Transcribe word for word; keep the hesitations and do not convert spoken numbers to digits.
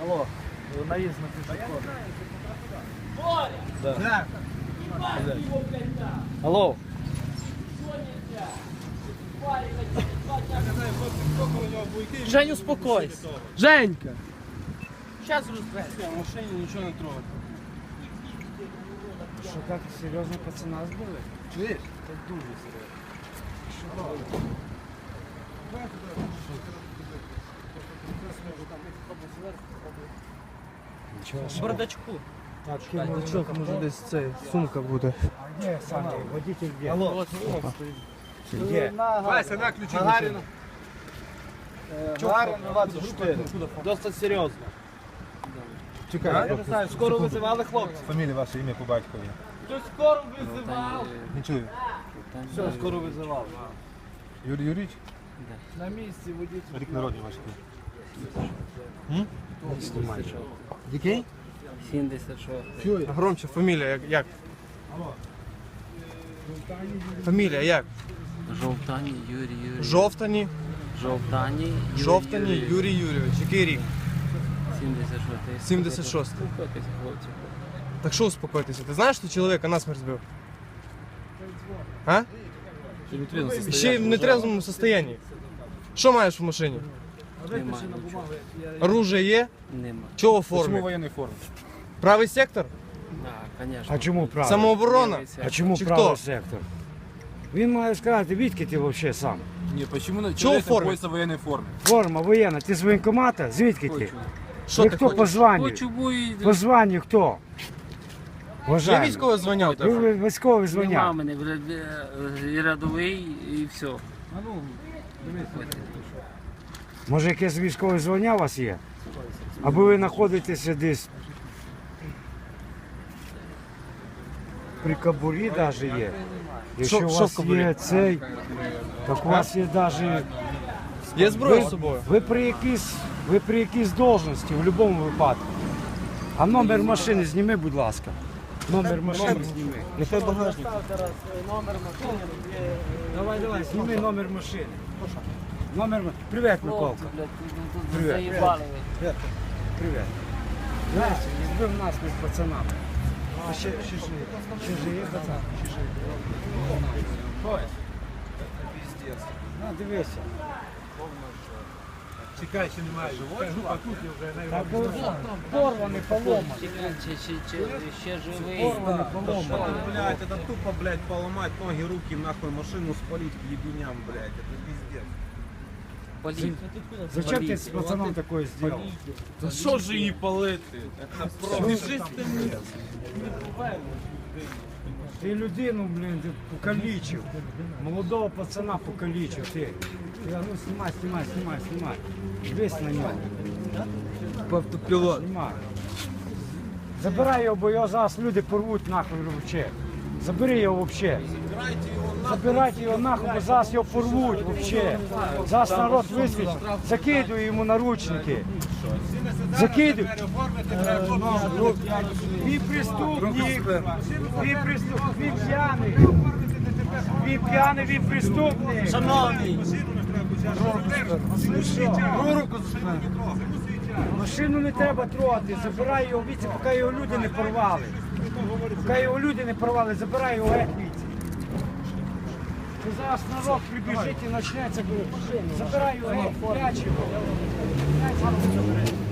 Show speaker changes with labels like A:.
A: Алло, наезд на пешеход. Да. Да. Алло. Жень, успокойся. Женька. Сейчас разберемся. В машине ничего не трогать.
B: Що так серйозно пацана збили?
A: Чуєш? Це дуже серйозно.
B: Нічого.
A: В бардачку.
B: Так, бардачок, може десь це сумка буде. А де саме? Водитель де?
A: Алло.
B: Де?
A: Вася, на ключи. Гагарина. Гагарина двадцять чотири. Досить серйозно.
B: Чекай,
A: Я не знаю, скоро визивали хлопці.
C: Фамілія ваша, ім'я по батькові.
A: Хтось скоро визивав.
C: Не чую.
A: Все, скоро визивали.
C: Юрій Юрійович?
A: На місці водитель.
C: Рік народження ваш.
B: Який?
D: сімдесят шість.
B: Громче, фамілія як? як? Фамілія як?
D: Жовтані Юрій Юрійович.
B: Жовтані.
D: Жовтані Юрій
B: Жовтані
D: Юрійович.
B: Юрій Юрійович. Який рік?
D: сімдесят шість.
B: сімдесят шість.
D: Успокойтесь, хлопці.
B: Так що успокойтеся? Ти знаєш, що чоловіка насмерть збив? А? Ще в нетрезвому стані. Що маєш в машині?
D: Немає нічого.
B: Оружие є?
D: Нема.
B: Чого в
C: Чому
B: формі?
C: воєнний формі?
B: Правий сектор?
D: Так, звісно.
E: А чому правий?
B: Самооборона?
E: А чому
B: Чи
E: правий
B: хто?
E: сектор? Він має сказати, відки ти взагалі сам?
C: Ні, чому
B: Чого в формі?
C: в воєнній формі?
E: Форма воєнна, ти з воєнкомата? Звідки ти?
B: Що
E: Ви
B: ти
E: хто
B: хочеш?
E: по званню?
D: Хочу бої.
E: По званню хто?
B: Є
E: Вважаю.
B: військове звання у
E: Ви
B: тебе?
E: ви- військові
D: Нема
E: звання.
D: мене, блядь, і рядовий, і все.
E: Може якесь військове звання у вас є? Або ви знаходитеся десь при кабурі навіть є. Якщо
B: Що-
E: у
B: що в
E: вас
B: кобурі?
E: є цей, так у вас є навіть...
B: Є зброя
E: Ви,
B: з собою?
E: ви при якійсь, ви при якійсь должності в будь-якому випадку. А номер машини зніми, будь ласка. Номер машини зніми.
B: Нехай багажник.
E: Давай, давай, зніми номер машини. Номер машини. Привіт, Миколка.
D: Хлопці, блядь, тут- тут
E: Привіт.
D: заїбали ви.
E: Привіт. Знаєш, збив нас з пацанами. А ще, ще живі. Ще живі, пацан? Ще живі. На, дивися.
C: Чекай, ще немає живої, а тут я вже
E: Так, порваний, поломаний.
D: Чи- чи- чи- Ще живий.
E: Порваний, поломаний.
F: Блять, это тупо, блядь, поломать ноги, руки, нахуй машину спалить к ебеням, блядь, это пиздец.
D: Політ.
E: Зачем ти з пацаном такое зробив?
A: Та що ж її палити? Це просто.
E: Ти людину, блін, ти покалічив. Молодого пацана покалічив. Ти. Ти, а ну знімай, знімай, знімай, знімай. Дивись на нього.
B: Автопілот.
E: Знімай. Забирай його, бо його зараз люди порвуть нахуй взагалі. Забери його взагалі. Забирайте його нахуй, бо зараз його порвуть взагалі. Зараз народ висвітить. Закидуй йому наручники. Закидуй. Він преступник. Він преступник. Він п'яний. Він п'яний, він преступник.
A: Шановний.
E: Руку машину не треба трогати, забирай його віці, поки його люди не порвали. Поки його люди не порвали, забирай його геть віці. Ти зараз народ прибіжить і почнеться, забирай його геть, прячь його. Прячь його.